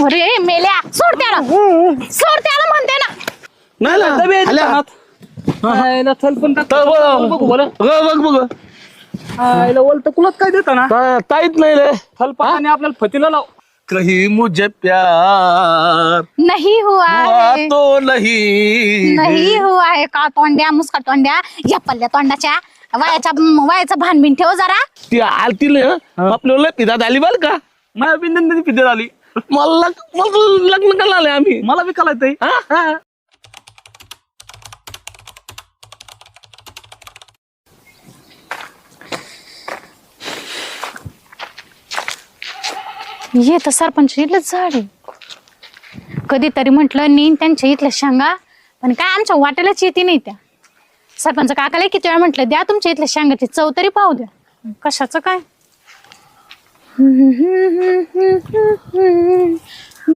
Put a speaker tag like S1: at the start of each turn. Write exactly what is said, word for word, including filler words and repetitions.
S1: अरे मेल्या सोड त्याला सोड त्याला म्हणते ना.
S2: नाही ना
S3: डबे आहेत
S2: आल्या.
S3: दुकानात. आईला थल पण टाक.
S2: तर बघ
S3: बघू बरं.
S2: बघ बघ बघ
S3: आईला ओलत कुलत काय देता ना
S2: ता- ताईत नाही रे
S3: थल पाणी आपल्याला फतीला लाव.
S2: कहीं मुझे प्यार
S1: नाही हुआ
S2: हुआ
S1: है
S2: तो नहीं
S1: नाही हुआ है का तोंड्या मुसका तोंड्या या पल्ल्या तोंडाच्या वयाच्या वयाचा भानबिन ठेव जरा.
S2: ती आलती ना आपल्याला पिदात आली बर का
S3: माझ्या बिंदन फिदे आली.
S2: मला लग- मला लग्न करायला आले आम्ही
S3: मला बी कळायचंय.
S2: हा? हा.
S1: ये तर सरपंच इथलंच झाड आहे. कधीतरी म्हटलं नेईन त्यांच्या इथल्या शेंगा पण काय आमच्या वाट्यालाच येते नाही त्या. सरपंच काकाला किती वेळा म्हटलं द्या तुमच्या इथल्या शेंगाची चव तरी पाहू द्या. कशाचं काय